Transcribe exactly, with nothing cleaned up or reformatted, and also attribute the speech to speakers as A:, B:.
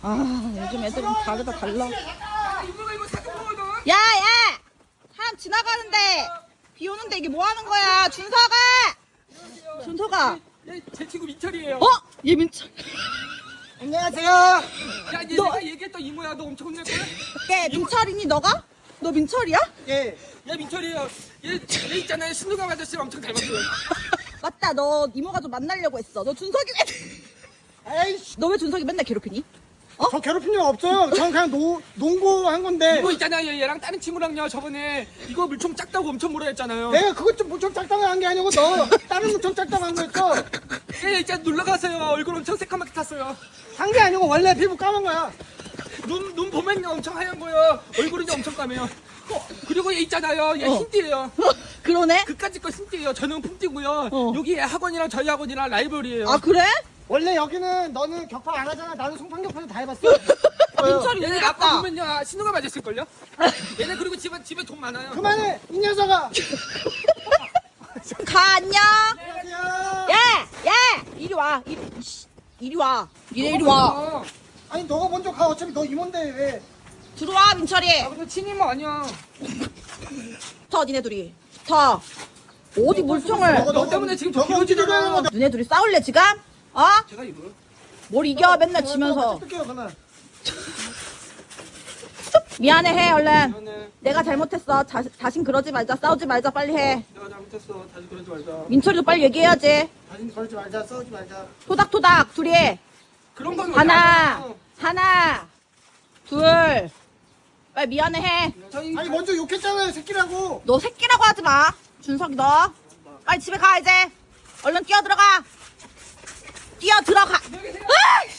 A: 아, 요즘 애들은 다르다 달라.
B: 야, 이모가 이거 사준 거거든.
A: 야, 야! 사람 지나가는데 비 오는데 이게 뭐 하는 거야? 준서가! 준서가!
B: 얘, 제 친구 민철이에요.
A: 어? 얘 민철.
C: 안녕하세요.
B: 야, 얘
A: 너-
B: 내가 얘기했던 이모야. 너 엄청 혼낼 거야?
A: 걔 민철이니 너가? 너 민철이야?
C: 예.
B: 얘 민철이에요. 얘, 얘 있잖아요. 신동엽 아저씨랑 엄청 닮았어요.
A: 맞다, 너 이모가 좀 만나려고 했어. 너 준석이
C: 에이씨.
A: 너 왜 준석이 맨날 괴롭히니?
C: 저 괴롭힌 적 없어요. 전 그냥 노, 농구한 건데.
B: 이거 있잖아요. 얘랑 다른 친구랑요. 저번에 이거 물총 작다고 엄청 뭐라 했잖아요.
C: 내가 그것 좀 무척 짝당을 한 게 아니고 너 다른 무척 짝당한 거였어.
B: 얘 있잖아. 놀러 갔어요. 얼굴 엄청 새까맣게 탔어요.
C: 한 게 아니고 원래 피부 까만 거야.
B: 눈, 눈 보면요. 엄청 하얀 거예요. 얼굴이 엄청 까매요. 어, 그리고 얘 있잖아요. 얘
A: 어.
B: 흰띠예요.
A: 그러네?
B: 그까짓 거 흰띠예요. 저는 품띠고요.
A: 어.
B: 여기 학원이랑 저희 학원이랑 라이벌이에요.
A: 아, 그래?
C: 원래 여기는 너는 격파 안 하잖아. 나는 송판격파도 다 해봤어.
A: 민철이
B: 얘네
A: 왜
B: 아까
A: 갔다?
B: 보면요. 신호가 맞았을걸요? 얘네 그리고 집에, 집에 돈 많아요.
C: 그만해 이 녀석아.
A: 가, 안녕!
C: 안녕하세요.
A: 야! 야! 이리 와. 이리, 이씨, 이리 와. 얘 이리 와.
B: 어.
C: 아니 너가 먼저 가. 어차피 너 이모인데 왜?
A: 들어와, 민철이.
B: 아, 근데 친이모 아니야.
A: 터, 니네 둘이. 터. 어디 물총을.
B: 너 때문에 지금 저
C: 너가 어떻게
B: 기어지잖아.
C: 되는 거다.
A: 너네 둘이 싸울래, 지금? 어?
B: 제가 이거요?
A: 뭘 이겨, 맨날 지면서.
C: 뜯게요 그만.
A: 미안해, 해, 얼른.
B: 미안해.
A: 내가 잘못했어. 자, 다신 그러지 말자. 싸우지 말자. 빨리 해.
B: 내가 잘못했어. 다시 그러지 말자.
A: 민철이도 빨리 얘기해야지.
C: 다시 그러지 말자. 싸우지 말자.
A: 토닥토닥, 둘이.
B: 그런 건
A: 하나,
B: 어디
A: 하나, 둘. 빨리 미안해, 해.
B: 안 해요. 저희
C: 아니 먼저 욕했잖아요 새끼라고.
A: 너 새끼라고 하지 마. 준석이 너. 빨리 집에 가, 이제. 얼른 뛰어 들어가. 뛰어 들어가.
B: 안녕히 계세요.
A: 으이!